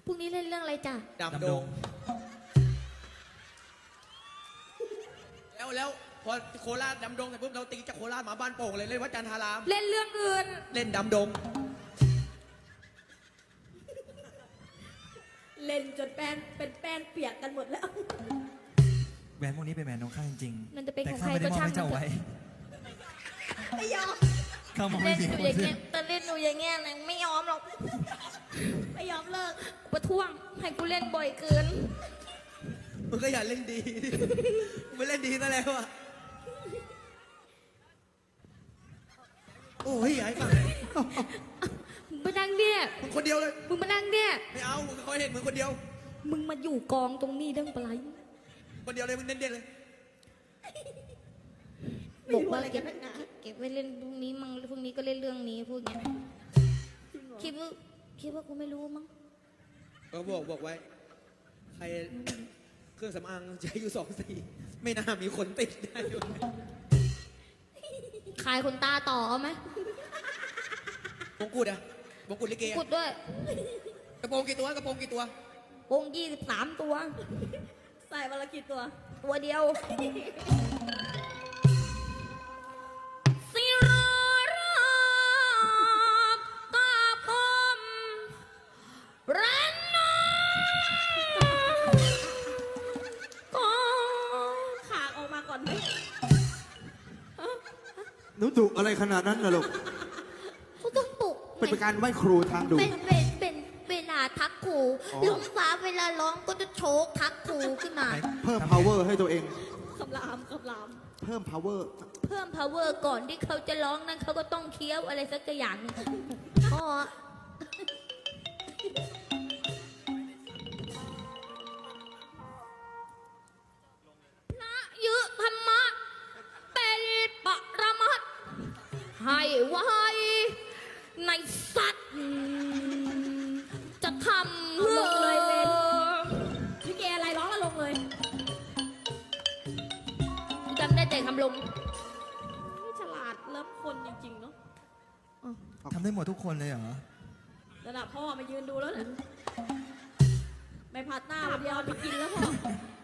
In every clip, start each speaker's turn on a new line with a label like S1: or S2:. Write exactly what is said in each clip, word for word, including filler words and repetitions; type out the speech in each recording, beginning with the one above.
S1: พรุ่งนี้เล่นเรื่องอะไรจ้ะ
S2: ดำดงแล้วแล้วพอโคราชดำดงเสร็จปุ๊บเราตีจากโคราชมาบ้านโป่งเลยเล่นวัดจันทาราม
S1: เล่นเรื่องอื่น
S2: เล่นดำดง
S3: เล่นจนแป้งเป็นแป้งเปียกกันหมดแล้ว
S4: แหวนพวกนี้เป็นแหวนของข้าจริงๆ
S1: มันจะเป็น
S4: แต่
S1: ของ
S4: ข้า
S1: ใคร
S4: ไม่ได้
S1: ก็
S4: มอบ
S1: ช่าง
S4: ให้เจ้าไว้
S3: ไม่ยอม
S4: ข้ามอบ
S1: เล่
S4: ให้
S1: น
S4: เสีย
S1: อ
S4: ค
S1: ยู่
S4: น
S1: อย่าง
S4: อื่
S1: เงี้ย
S4: น
S1: แต่เล่นอยู่อย่างเงี้ยนะไม่ยอมหรอก
S3: ไม่ยอมเลิก
S1: ประท้วงให้กูเล่นบ่อยเกิน
S2: มึงก็อย่าเล่นดีไม่เล่นดีซะแล้วอ่ะโอ้ยใหญ่ฝั่ง
S1: มึงมานั่งเนี่ย
S2: มึงคนเดียวเลย
S1: มึงมานั่งเนี่ย
S2: ไม่เอามึงคอยเห็นมึงคนเดียว
S1: มึงมาอยู่กองตรงนี้เรื่องอะไร
S2: คนเดียวเลยมึงเน้นๆเลย
S1: บอกว่าเก็บเก็บไว้เล่นพรุ่งนี้มั้งพรุ่งนี้ก็เล่นเรื่องนี้พูดอย่างเงี้ยคิดว่าคิดว่ากูไม่รู้มั้ง
S2: ก็บอกบอกไว้ใครเครื่องสำอางใช้อยู่สองสีไม่น่ามีคนติดได้อยู่
S1: ขายคนตาต่อเอาไหม
S2: มงกุฎอะมงกุฎลิเก
S1: กุดด้วย
S2: กระโปรงกี่ตัวกระโปรงกี่ตัว
S1: วงยี่สิบสามตัว
S3: ใส่วันละกี่ตัว
S1: ตัวเดียวสิราบกาพมรันนาก็
S3: ขากออกมาก่อนไหม
S5: หนูดุอะไรขนาดนั้นล่ะลูก
S1: เขาต้องปลุก
S5: เป็นการไหว้ครูทางดุ
S1: เป็นเป็นเป็นเวลาทักครู
S5: อ๋อ
S1: ลุงฟ้าเวลาร้องก็จะโชกทักครูขึ้นมา
S5: เพิ่ม power ให้ตัวเอง
S3: คำรามคำราม
S5: เพิ่ม power
S1: เพิ่ม power ก่อนที่เขาจะร้องนั้นเขาก็ต้องเคี้ยวอะไรสักอย่างหนึ่งอ๋อพระยุธรรมะเป็นปรมัตถ์ให้ไว้ในสัตว์จะทำ
S3: เอาลงเลยเล่นพี่เกอะไรร้องแล้วลงเลย
S1: จำได้แต่คำลง
S3: นี่ฉลาดเลิฟคนจริงๆเนาะ
S4: ทำได้หมดทุกคนเลยเหรอ
S3: ระดับพ่อมายืนดูแล้วเนี่ยไม่พัดหน้าวันเดียวไปกินแล้วพ่อ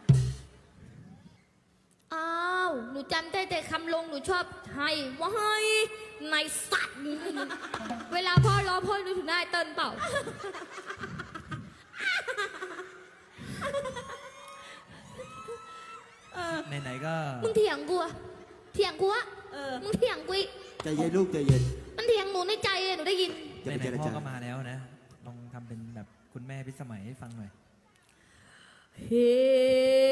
S1: อ้าว หนูจำได้แต่คำลง หนูชอบให้ว่าให้ในสัตว์ เวลาพ่อร้องพ่อนึกถึงได้เติ้ลเปล่า
S3: เออ
S4: ไหนๆก็
S1: มึงเถียงกูอะเถียงกูอะ
S3: เออ
S1: มึงเถียงกูอีก
S5: ใจเย็นลูกใจเย็น
S1: มันเถียงหนูในใจอะหนูได้ยิน
S5: อย่าไป
S4: ไหน
S5: เจร
S4: ๆพ่อ
S5: จา
S4: ก็มาแล้วนะ ลองทำเป็นแบบคุณแม่พิสมัยให้ฟังหน่อย
S1: เฮ้